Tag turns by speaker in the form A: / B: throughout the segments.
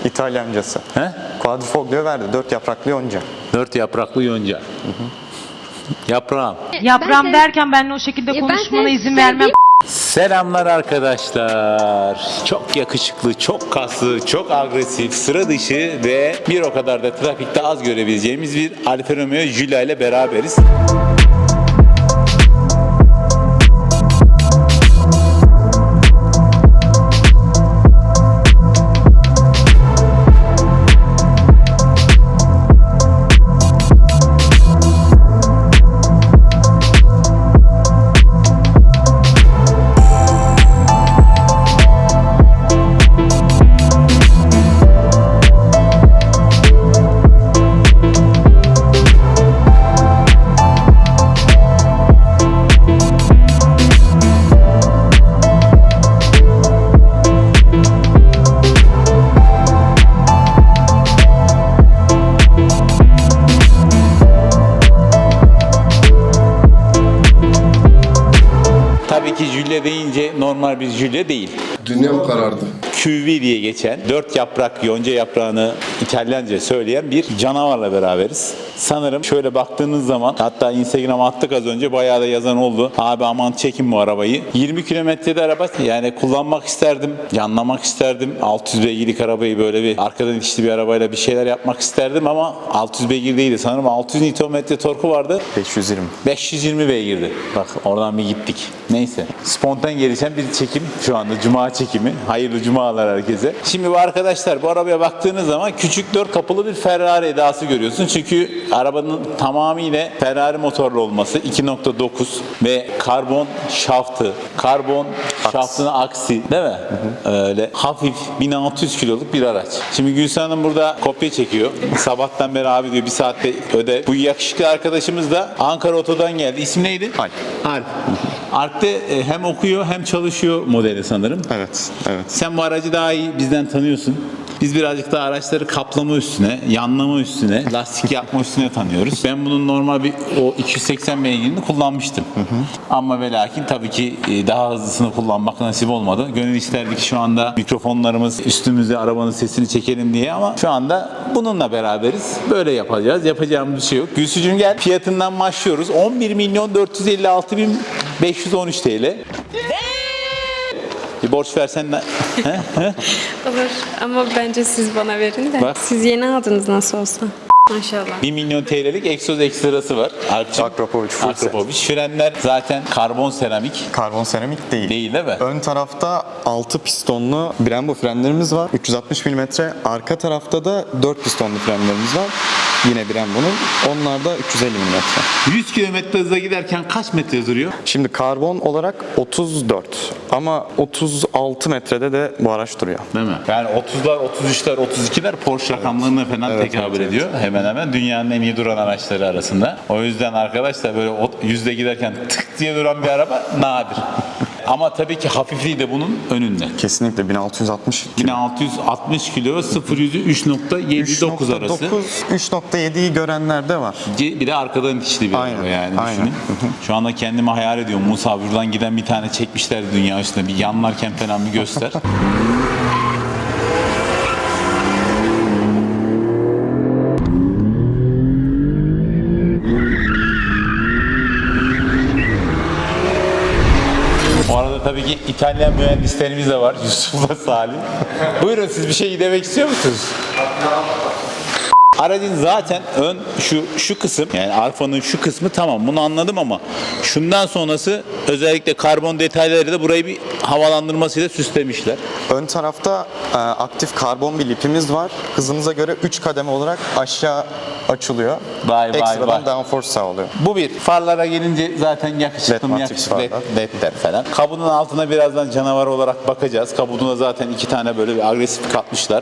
A: İtalyancası.
B: He?
A: Quadrifoglio verdi. 4 yapraklı yonca.
B: 4 yapraklı yonca. Yaprağım.
C: Yaprağım derken benimle o şekilde
D: ben
C: konuşmana
D: size
C: izin
D: şey
C: vermem.
B: Selamlar arkadaşlar. Çok yakışıklı, çok kaslı, çok agresif, sıra dışı ve bir o kadar da trafikte az görebileceğimiz bir Alfa Romeo Giulia ile beraberiz. Tabii ki Giulia deyince normal bir Giulia değil.
E: Dünyam karardı.
B: QV diye geçen 4 yaprak yonca yaprağını İtalyanca söyleyen bir canavarla beraberiz. Sanırım şöyle baktığınız zaman, hatta Instagram'a attık az önce, bayağı da yazan oldu. Abi aman çekin bu arabayı. 20 kilometrede araba, yani kullanmak isterdim, yanlamak isterdim. 600 beygirlik arabayı böyle bir arkadan itişli bir arabayla bir şeyler yapmak isterdim ama 600 beygir değildi. Sanırım 600 Nm torku vardı.
A: 520.
B: 520 beygirdi. Bak oradan bir gittik. Neyse. Spontan gelişen bir çekim şu anda. Cuma çekimi. Hayırlı cumalar herkese. Şimdi bu arkadaşlar, bu arabaya baktığınız zaman küçük 4 kapılı bir Ferrari edası görüyorsun. Çünkü arabanın tamamıyla Ferrari motorlu olması, 2.9 ve karbon şaftı, karbon şaftının aksi, değil mi? Öyle hafif 1600 kiloluk bir araç. Şimdi Gülsen Hanım burada kopya çekiyor. Sabahtan beri abi diyor, bir saatte öde. Bu yakışıklı arkadaşımız da Ankara Oto'dan geldi. İsim neydi?
A: Alp.
B: Alp. Alp'te hem okuyor hem çalışıyor modeli sanırım.
A: Evet, evet.
B: Sen bu aracı daha iyi bizden tanıyorsun. Biz birazcık daha araçları kaplama üstüne, yanlama üstüne, lastik yapma üstüne tanıyoruz. Ben bunun normal bir o 280 beygirini kullanmıştım. Ama ve lakin tabii ki daha hızlısını kullanmak nasip olmadı. Gönül isterdi ki şu anda mikrofonlarımız üstümüzde arabanın sesini çekelim diye, ama şu anda bununla beraberiz. Böyle yapacağız. Yapacağımız bir şey yok. Gülsücüğüm gel. Fiyatından başlıyoruz. 11.456.513 TL. Bir borç versen de...
D: Olur ama bence siz bana verin de.
B: Bak.
D: Siz yeni aldınız nasıl olsa. Maşallah.
B: 1 milyon TL'lik egzoz ekstrası var.
A: Akrapovic full set.
B: Akrapovic. Frenler zaten karbon seramik.
A: Karbon seramik değil.
B: Değil mi?
A: Ön tarafta 6 pistonlu Brembo frenlerimiz var. 360 mm. Arka tarafta da 4 pistonlu frenlerimiz var. Yine Brembo'nun. Onlar da 350 mm.
B: 100 km hızla giderken kaç metre duruyor?
A: Şimdi karbon olarak 34 ama 36 metrede de bu araç duruyor.
B: Değil mi? Yani 30'lar, 33'ler, 32'ler Porsche rakamlarına falan
A: Evet,
B: tekabül
A: evet,
B: ediyor. Hemen hemen dünyanın en iyi duran araçları arasında. O yüzden arkadaşlar böyle yüzde giderken tık diye duran bir araba nadir. Ama tabii ki hafifliği de bunun önünde.
A: Kesinlikle 1660
B: 1660 kilo, 0-100'ü 3.79 arası.
A: 3.7'yi görenler de var.
B: Bir de arkadan itişli bir
A: Aynen,
B: araba yani
A: aynen.
B: düşünün. Şu anda kendimi hayal ediyorum. Musa buradan giden bir tane çekmişler dünya üstüne. Bir yanlarken falan bir göster. Bu arada tabii ki İtalyan mühendislerimiz de var. Yusuf'la Salih. Buyurun, siz bir şey demek istiyor musunuz? Aracın zaten ön şu kısım, yani Alfa'nın şu kısmı tamam, bunu anladım, ama şundan sonrası özellikle karbon detayları da burayı bir havalandırmasıyla süslemişler.
A: Ön tarafta aktif karbon bir lipimiz var. Hızınıza göre 3 kademe olarak aşağı açılıyor.
B: Vay, vay,
A: Ekstradan
B: vay.
A: downforce sağlıyor.
B: Bu bir. Farlara gelince zaten yakışıklı mı,
A: LED
B: yakışıklı
A: matrix farlar.
B: ledler falan. Kabunun altına birazdan canavar olarak bakacağız. Kabuduna zaten 2 tane böyle bir agresif katmışlar.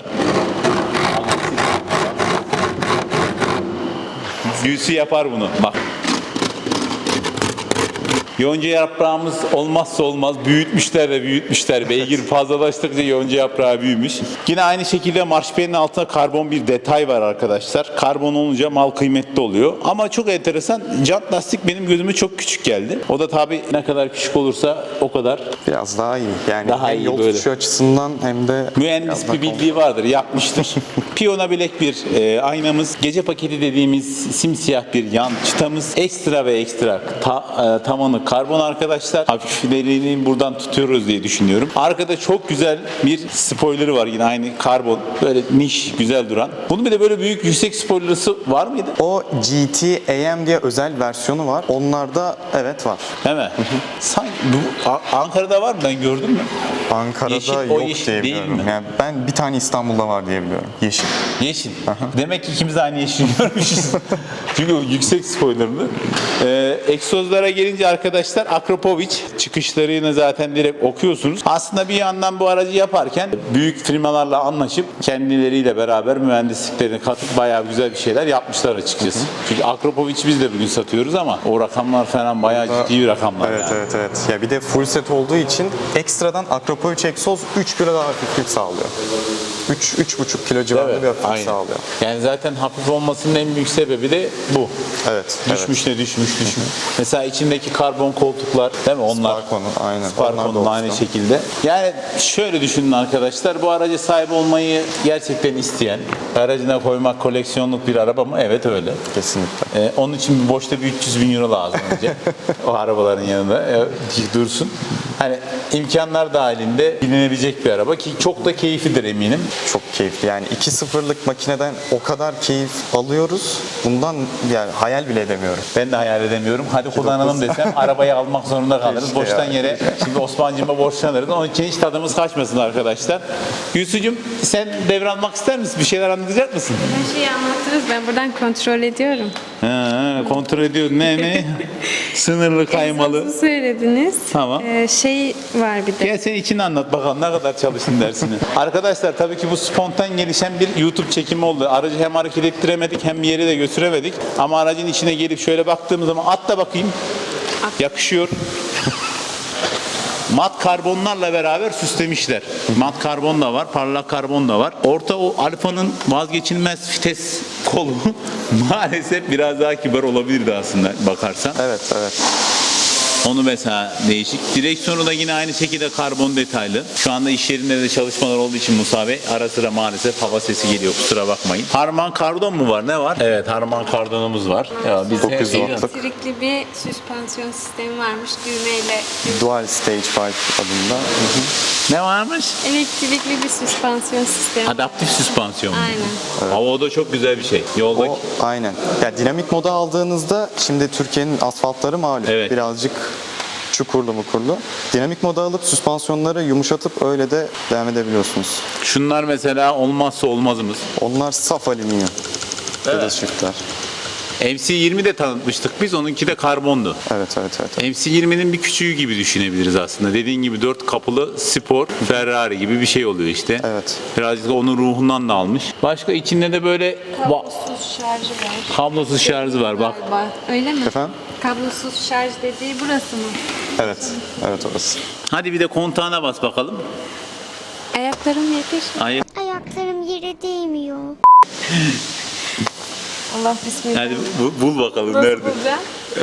B: Gülsü yapar bunu. Bak. Yonca yaprağımız olmazsa olmaz. Büyütmüşler de büyütmüşler. Beygir fazlalaştıkça yonca yaprağı büyümüş. Yine aynı şekilde marşpiyenin altında karbon bir detay var arkadaşlar. Karbon olunca mal kıymetli oluyor. Ama çok enteresan. Jant lastik benim gözüme çok küçük geldi. O da tabii ne kadar küçük olursa o kadar
A: Biraz daha iyi. Yani
B: Daha
A: hem
B: iyi
A: yol
B: böyle.
A: tutuşu açısından hem de
B: mühendis
A: biraz
B: bir
A: daha
B: bildiği vardır, yapmıştır. Piyona bilek bir aynamız, gece paketi dediğimiz simsiyah bir yan çıtamız, ekstra ve ekstra tavanı karbon arkadaşlar. Hafiflerini buradan tutuyoruz diye düşünüyorum. Arkada çok güzel bir spoilerı var yine aynı karbon. Böyle niş, güzel duran. Bunun bir de böyle büyük yüksek spoilerısı var mıydı?
A: O GT AM diye özel versiyonu var. Onlarda evet var.
B: Değil mi? Sanki bu Ankara'da var mı? Ben gördüm mü?
A: Ankara'da
B: Yeşil, o
A: yok
B: yeşil
A: diye
B: değil
A: biliyorum.
B: mi?
A: Yani ben bir tane İstanbul'da var diye biliyorum. Yeşil.
B: Yeşil. Demek ki ikimiz de aynı yeşil görmüşüz. Çünkü o yüksek spoilerlı. Egzozlara gelince arkadaşlar Akrapovic çıkışlarını zaten direkt okuyorsunuz. Aslında bir yandan bu aracı yaparken büyük firmalarla anlaşıp kendileriyle beraber mühendisliklerini katıp bayağı güzel bir şeyler yapmışlar açıkçası. Çünkü Akrapovic biz de bugün satıyoruz ama o rakamlar falan bayağı ciddi bir rakamlar.
A: Evet
B: yani.
A: evet evet. Ya bir de full set olduğu için ekstradan Akrapovic egzoz 3 kilo daha hafiflik sağlıyor. 3,5 kilo civarında
B: Evet,
A: bir hafiflik
B: aynen.
A: sağlıyor.
B: Yani zaten hafif olmasının en büyük sebebi de bu.
A: Evet.
B: Düşmüş ne düşmüş. Mesela içindeki karbon koltuklar değil mi? Onlar
A: Sparko'nun aynen. Onlar da
B: Sparko'nun aynı
A: olsun.
B: şekilde. Yani şöyle düşünün arkadaşlar. Bu araca sahip olmayı gerçekten isteyen, aracına koymak koleksiyonluk bir araba mı? Evet öyle.
A: Kesinlikle.
B: Onun için boşta bir 300 bin euro lazım önce. O arabaların yanında dursun. Hani imkanlar dahilinde bilinebilecek bir araba ki çok da keyiflidir eminim.
A: Çok keyifli. Yani 2.0'lık makineden o kadar keyif alıyoruz. Bundan yani hayal bile edemiyorum.
B: Ben de hayal edemiyorum. Hadi kullanalım desem arabayı almak zorunda kalırız.
A: Keşke
B: Boştan
A: ya.
B: yere şimdi Osman'cığıma borçlanırız. Onun için hiç tadımız kaçmasın arkadaşlar. Yusuf'cum sen devralmak ister misin? Bir şeyler anlatacak mısın?
D: Her şeyi anlattınız. Ben buradan kontrol ediyorum.
B: Kontrol ediyor. Ne? Sınırlı kaymalı.
D: Egzozu söylediniz.
B: Tamam.
D: Şey var bir de.
B: Gel sen içini anlat bakalım ne kadar çalıştın dersini. Arkadaşlar tabii ki bu spontan gelişen bir YouTube çekimi oldu. Aracı hem hareket ettiremedik hem bir yere de götüremedik. Ama aracın içine gelip şöyle baktığımız zaman atla bakayım. Yakışıyor. Mat karbonlarla beraber süslemişler. Mat karbon da var, parlak karbon da var. Orta o Alfa'nın vazgeçilmez vites kolu maalesef biraz daha kibar olabilirdi aslında bakarsan.
A: Evet evet.
B: Onu mesela değişik. Direksiyonu da yine aynı şekilde karbon detaylı. Şu anda iş yerinde de çalışmalar olduğu için Musa Bey ara sıra maalesef hava sesi geliyor, kusura bakmayın. Harman kardon mu var? Ne var? Evet, harman kardonumuz var. Ya biz
A: 900
B: her-
A: wattlık.
D: Elektrikli bir süspansiyon sistemi varmış düğmeyle.
A: Dual Stage 5 adında.
B: Ne varmış?
D: Elektrikli bir süspansiyon sistemi.
B: Adaptif süspansiyon.
D: Aynen.
B: Ama o da çok güzel bir şey. Yoldaki
A: O aynen. Ya dinamik moda aldığınızda şimdi Türkiye'nin asfaltları malum.
B: Evet.
A: Birazcık çukurlu mukurlu. Dinamik moda alıp süspansiyonları yumuşatıp öyle de devam edebiliyorsunuz.
B: şunlar mesela olmazsa olmazımız.
A: Onlar saf alüminyum.
B: Evet.
A: Evet. Shiftler.
B: MC20 de tanıtmıştık biz. Onunki de karbondu.
A: Evet evet evet.
B: MC20'nin bir küçüğü gibi düşünebiliriz aslında. Dediğin gibi 4 kapılı spor Ferrari gibi bir şey oluyor işte.
A: Evet.
B: Birazcık da onun ruhundan da almış. Başka içinde de böyle
D: Kablosuz şarjı var.
B: kablosuz şarjı var bak.
D: Galiba. Öyle mi?
A: Efendim?
D: Kablosuz şarj dediği burası mı?
A: Evet. Evet orası.
B: Hadi bir de kontağına bas bakalım.
D: Ayaklarım yetiş.
E: Ayaklarım yere değmiyor.
D: Allah bismillah.
B: Hadi bul bakalım
D: Nasıl
B: nerede.
D: bulacağım?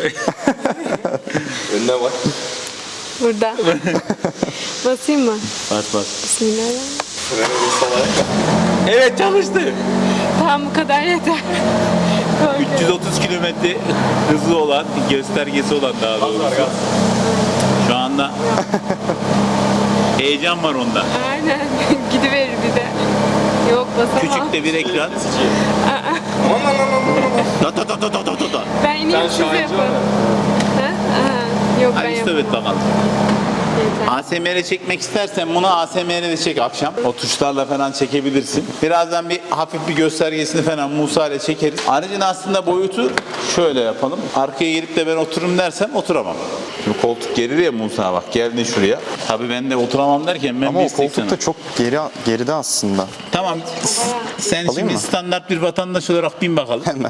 A: Önüne bak.
D: Burada. Basayım mı?
B: Bas bas.
D: Bismillahirrahmanirrahim.
B: Evet çalıştı.
D: Tamam bu kadar yeter. Korkuyorum.
B: 330 kilometre hızı olan, göstergesi olan daha doğrusu. Şu anda heyecan var onda.
D: Aynen. Gidiverir bir de. Yok basamam.
B: Küçük de bir ekran. Da da da da da da da.
D: Ben ineyim siz yapın. Ha? Aha. Yok ben
B: Hadi
D: yapamam.
B: evet bakalım.
D: Yeter.
B: ASMR çekmek istersen bunu ASMR'de çek akşam. O tuşlarla falan çekebilirsin. Birazdan bir hafif bir göstergesini falan Musa ile çekeriz. Aracın aslında boyutu şöyle yapalım. Arkaya gelip de ben otururum dersem oturamam. Şimdi koltuk gelir ya Musa bak geldin şuraya. Tabii ben de oturamam derken ben
A: Ama
B: bir
A: o
B: istek
A: koltuk da çok geride aslında.
B: Tamam sen
A: Alayım
B: şimdi
A: mı?
B: standart bir vatandaş olarak bin bakalım.
A: Hemen.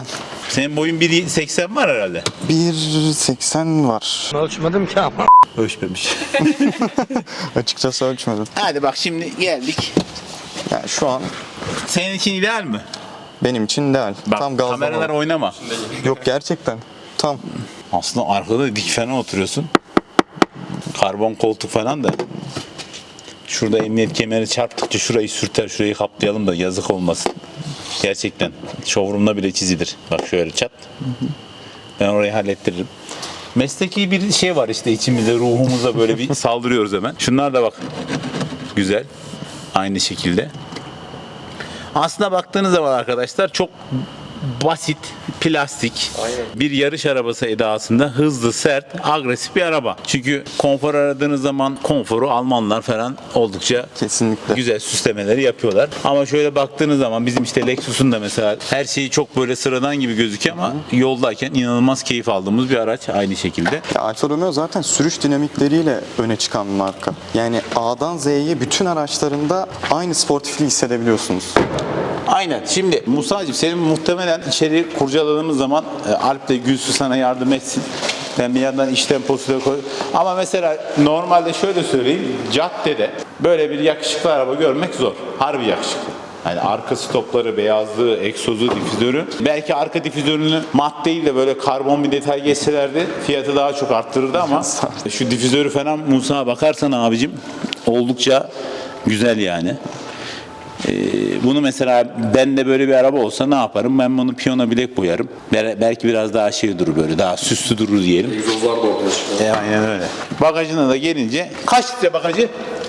B: Senin boyun 1.80 var herhalde.
A: 1.80 var.
F: Ölçmedim ki ama.
B: Ölçmemiş.
A: Açıkçası ölçmedim.
B: Hadi bak şimdi geldik.
A: Yani şu an
B: Senin için ideal mi?
A: benim için ideal.
B: Bak
A: Tam
B: kameralar
A: gazlamalı.
B: oynama.
A: Yok gerçekten. Tam.
B: Aslında arkada dik falan oturuyorsun. Karbon koltuk falan da. Şurada emniyet kemeri çarptıkça şurayı sürter, şurayı kaplayalım da yazık olmasın. Gerçekten. Showroom'da bile çizilir. Bak şöyle çat. Ben orayı hallettiririm. Mesleki bir şey var işte içimizde, ruhumuza böyle bir saldırıyoruz hemen. Şunlar da bak. Güzel. Aynı şekilde. Aslında baktığınız zaman arkadaşlar çok basit, plastik, bir yarış arabası edasında hızlı, sert, agresif bir araba. Çünkü konfor aradığınız zaman konforu Almanlar falan oldukça
A: Kesinlikle.
B: güzel süslemeleri yapıyorlar. Ama şöyle baktığınız zaman bizim işte Lexus'un da mesela her şeyi çok böyle sıradan gibi gözüküyor ama yoldayken inanılmaz keyif aldığımız bir araç aynı şekilde.
A: Ya Alfa Romeo zaten sürüş dinamikleriyle öne çıkan bir marka. Yani A'dan Z'ye bütün araçlarında aynı sportifliği hissedebiliyorsunuz.
B: Aynen. Şimdi Musa'cığım senin muhtemelen içeri kurcaladığımız zaman Alp de Gülsü sana yardım etsin. Ben bir yandan iş temposuyla koy. Ama mesela normalde şöyle söyleyeyim. Caddede böyle bir yakışıklı araba görmek zor. Harbi yakışıklı. Yani arka stopları, beyazlığı, egzozu, difüzörü. Belki arka difüzörünü mat değil de böyle karbon bir detay geçselerdi fiyatı daha çok arttırırdı ama şu difüzörü falan Musa'ya bakarsan abicim oldukça güzel yani. Bunu mesela ben de böyle bir araba olsa ne yaparım? Ben bunu piyano bilek boyarım. Belki biraz daha şey durur böyle, daha süslü durur diyelim.
F: Egzozlar da ortaya çıkıyor.
B: Aynen öyle. Bagajına da gelince kaç litre bagajı?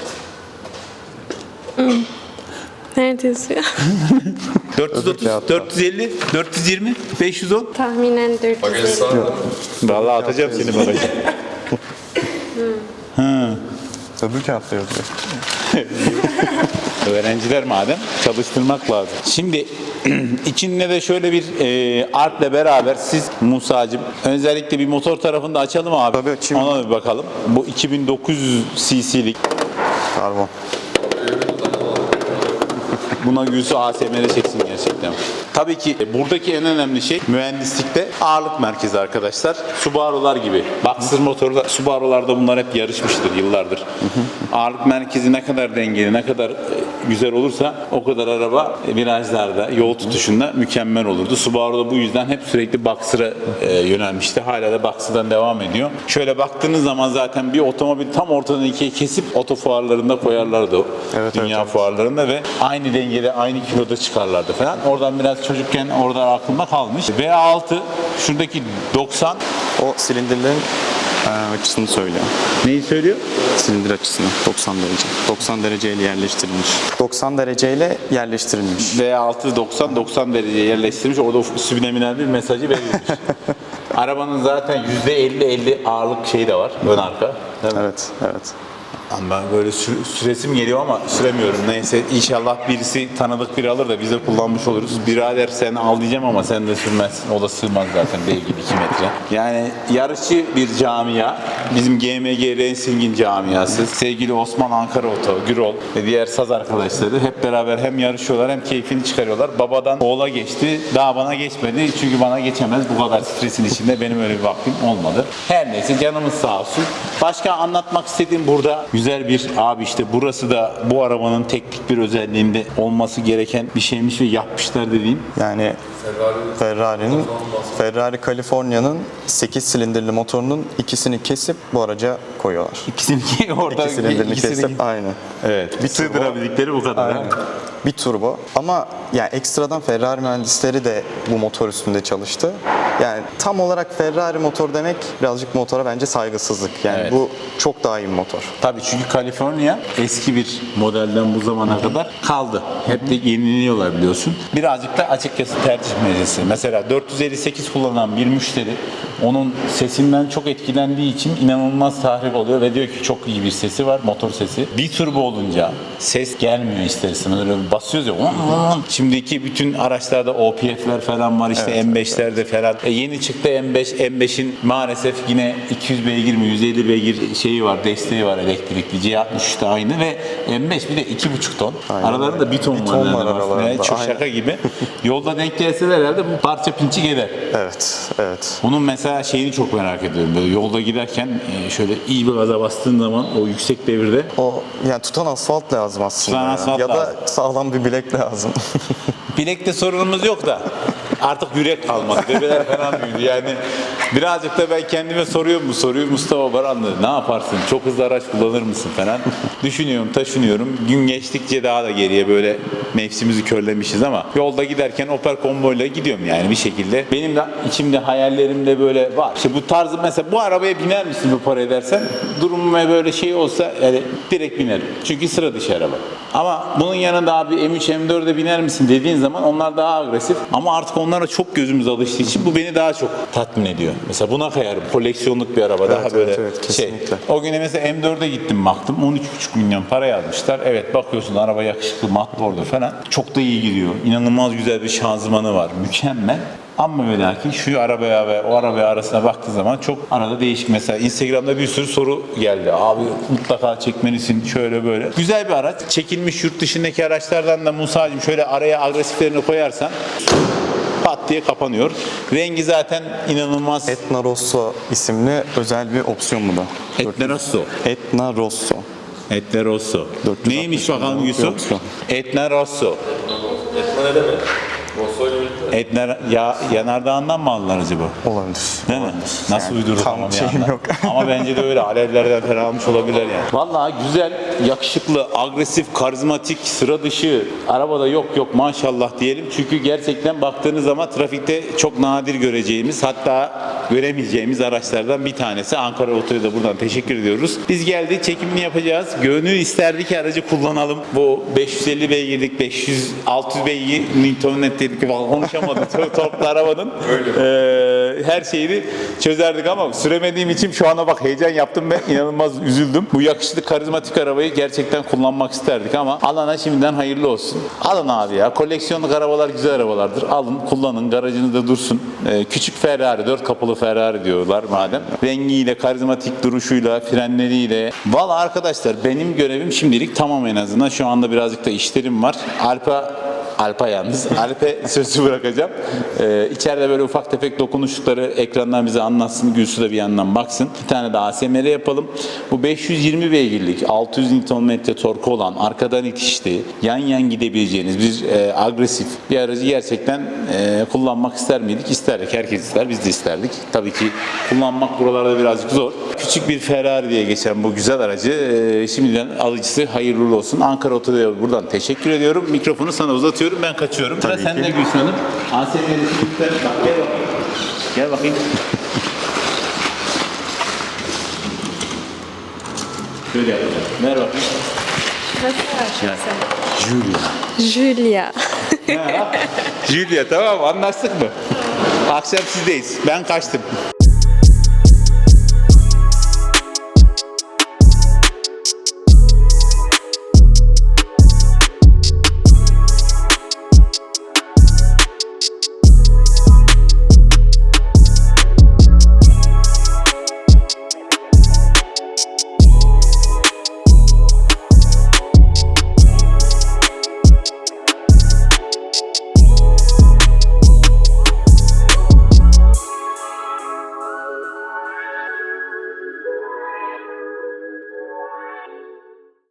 D: Nerede yazıyor?
B: 430, 450, 420, 510.
D: Tahminen 450.
B: Vallahi atacağım seni bagaja.
A: Öbür kağıtta yazıyor.
B: Öğrenciler madem çalıştırmak lazım. Şimdi içinde de şöyle bir Alp'le beraber siz Musa'cığım özellikle bir motor tarafını da açalım abi.
A: Tabii açayım.
B: Ona bir bakalım. Bu 2900 cc'lik.
A: Karbon.
B: Buna Gülsü ASMR çeksin gerçekten. Tabii ki buradaki en önemli şey mühendislikte ağırlık merkezi arkadaşlar. Subaru'lar gibi. Boxer motorlar, Subaru'larda bunlar hep yarışmıştır yıllardır. Ağırlık merkezi ne kadar dengeli, ne kadar güzel olursa o kadar araba virajlarda, yol tutuşunda mükemmel olurdu. Subaru da bu yüzden hep sürekli Boxer'a yönelmişti. Hala da Boxer'dan devam ediyor. Şöyle baktığınız zaman zaten bir otomobil tam ortadan ikiye kesip oto fuarlarında koyarlardı.
A: Evet,
B: Dünya
A: evet.
B: fuarlarında ve aynı dengede, aynı kiloda çıkarlardı falan. Oradan biraz çocukken orada aklımda kalmış. V6 şuradaki 90
A: O silindirlerin açısını söylüyor.
B: neyi söylüyor?
A: Silindir açısını 90 derece. 90 dereceyle yerleştirilmiş. 90 dereceyle yerleştirilmiş.
B: V6 90 dereceye yerleştirilmiş. Orada subliminal bir mesajı verilmiş. Arabanın zaten %50 ağırlık şeyi de var. Ön arka. Değil mi?
A: Evet, evet.
B: Ben böyle süresim geliyor ama süremiyorum. Neyse inşallah birisi tanıdık biri alır da biz de kullanmış oluruz. Birader sen al diyeceğim ama sen de sürmezsin. O da sığmaz zaten dev gibi 2 metre. Yani yarışçı bir camia. Bizim GMG Racing'in camiası. Sevgili Osman Ankara Oto, Gürol ve diğer saz arkadaşları hep beraber hem yarışıyorlar hem keyfini çıkarıyorlar. Babadan oğula geçti. Daha bana geçmedi. Çünkü bana geçemez. Bu kadar stresin içinde benim öyle bir vaktim olmadı. Her neyse canımız sağ olsun. Başka anlatmak istediğim burada güzel bir abi işte burası da bu arabanın teknik bir özelliğinde olması gereken bir şeymiş ve yapmışlar dediğim.
A: Yani Ferrari California'nın 8 silindirli motorunun ikisini kesip bu araca koyuyorlar.
B: İkisini orada
A: İki silindirini
B: ikisini-
A: kesip aynı.
B: Evet. Bir sığdırabildikleri bu kadar.
A: Aynen. Bir turbo. Ama yani ekstradan Ferrari mühendisleri de bu motor üstünde çalıştı. Yani tam olarak Ferrari motor demek birazcık motora bence saygısızlık. Yani
B: Evet.
A: bu çok daha iyi bir motor.
B: Tabii çünkü California eski bir modelden bu zamana kadar kaldı. Hep de yeniliyorlar biliyorsun. Birazcık da açıkçası tercih meselesi. Mesela 458 kullanan bir müşteri onun sesinden çok etkilendiği için inanılmaz tahrip oluyor ve diyor ki çok iyi bir sesi var, motor sesi. Bir turbo olunca ses gelmiyor ister istemez. Öyle bir basıyoruz ya. Şimdiki bütün araçlarda OPF'ler falan var işte M5'lerde falan. Yeni çıktı M5. M5'in maalesef yine 200 beygir mi 150 beygir şeyi var, desteği var elektrikli. C63 de aynı ve M5 bir de 2,5 ton.
A: Aynen
B: Aralarında 1 ton ton
A: bir ton var
B: yani.
A: aralarında,
B: Çok
A: aynen.
B: şaka gibi. Yolda denk gelseler herhalde bu parça pinçik eder.
A: Evet.
B: Bunun mesela şeyini çok merak ediyorum. Böyle yolda giderken şöyle iyi bir gaza bastığın zaman o yüksek devirde
A: O yani tutan asfalt lazım aslında.
B: Tutan asfalt
A: ya
B: lazım.
A: da sağlam bir bilek lazım.
B: bilekte sorunumuz yok da artık yürek kalmadı. Bebeler falan büyüdü. Yani birazcık da ben kendime soruyorum bu soruyu. Mustafa Baranlı ne yaparsın? Çok hızlı araç kullanır mısın falan. Düşünüyorum, taşınıyorum. Gün geçtikçe daha da geriye böyle nefsimizi körlemişiz ama yolda giderken Opel konvoyla gidiyorum yani bir şekilde. Benim de içimde hayallerimde böyle var. İşte bu tarzı mesela bu arabaya biner misin bu parayı dersen durumum böyle şey olsa yani direkt binerim. Çünkü sıra dışı araba. Ama bunun yanında abi M3 M4'e biner misin dediğin zaman onlar daha agresif. Ama artık onlara çok gözümüz alıştığı için bu beni daha çok tatmin ediyor. Mesela buna kayarım. Koleksiyonluk bir araba. Daha böyle
A: evet, kesinlikle.
B: O güne mesela M4'e gittim baktım. 13,5 milyon para yazmışlar. Evet bakıyorsun araba yakışıklı, mat bordo falan. Çok da iyi gidiyor. İnanılmaz güzel bir şanzımanı var. Mükemmel. Ama ve lakin şu arabaya ve o arabaya arasına baktığı zaman çok arada değişik. Mesela Instagram'da bir sürü soru geldi. Abi mutlaka çekmelisin şöyle böyle. Güzel bir araç. Çekilmiş yurt dışındaki araçlardan da Musa'cığım şöyle araya agresiflerini koyarsan pat diye kapanıyor. Rengi zaten inanılmaz.
A: Etna Rosso isimli özel bir opsiyon bu da.
B: Etna Rosso.
A: Etna Rosso.
B: Etna Rosso.
A: 460
B: Neymiş bakalım
A: milyon
B: Yusuf?
A: opsiyon.
B: Etna Rosso. Etna yanardağından mı aldılar acaba?
A: Olabilir.
B: Değil mi? Nasıl
A: Yani
B: uydurur
A: tam
B: ama bir
A: şeyim
B: yandan.
A: yok.
B: Ama bence de öyle. Alevlerden falan almış olabilirler yani. Vallahi güzel, yakışıklı, agresif, karizmatik, sıra dışı. Arabada yok maşallah diyelim. Çünkü gerçekten baktığınız zaman trafikte çok nadir göreceğimiz hatta göremeyeceğimiz araçlardan bir tanesi. Ankara Oto'ya da buradan teşekkür ediyoruz. Biz geldik, çekimini yapacağız. Gönül isterdi ki aracı kullanalım. Bu 550 beygirlik, 600 beygir Newton dedik konuşamadım. Torklu arabanın her şeyini çözerdik ama süremediğim için şu anda bak heyecan yaptım ve inanılmaz üzüldüm. Bu yakışıklı karizmatik arabayı gerçekten kullanmak isterdik ama alana şimdiden hayırlı olsun. Alın abi ya. Koleksiyonluk arabalar güzel arabalardır. Alın, kullanın. Garajınızda dursun. Küçük Ferrari, 4 kapılı Ferrari diyorlar madem. Rengiyle, karizmatik duruşuyla, frenleriyle. Valla arkadaşlar benim görevim şimdilik tamam en azından. Şu anda birazcık da işlerim var. Alp'a yalnız. Alp'e sözü bırakacağım. İçeride böyle ufak tefek dokunuşlukları ekrandan bize anlatsın. Gülsü de bir yandan baksın. Bir tane de ASMR yapalım. Bu 520 beygirlik 600 Nm torku olan arkadan itişli yan gidebileceğiniz bir agresif bir aracı gerçekten kullanmak ister miydik? İsterdik. Herkes ister. Biz de isterdik. Tabii ki kullanmak buralarda birazcık zor. Küçük bir Ferrari diye geçen bu güzel aracı şimdiden alıcısı hayırlı uğurlu olsun. Ankara Oto'ya buradan teşekkür ediyorum. Mikrofonu sana uzatıyorum. Ben kaçıyorum. Sıra
A: Tabii
B: sende
A: ki.
B: Gülsün Hanım. ASMR'de lütfen bak gel bakayım. Gel bakayım. Şöyle yapacağım. Ver bakayım.
D: Julia.
B: Julia tamam mı? Anlaştık mı? Akşam sizdeyiz. Ben kaçtım.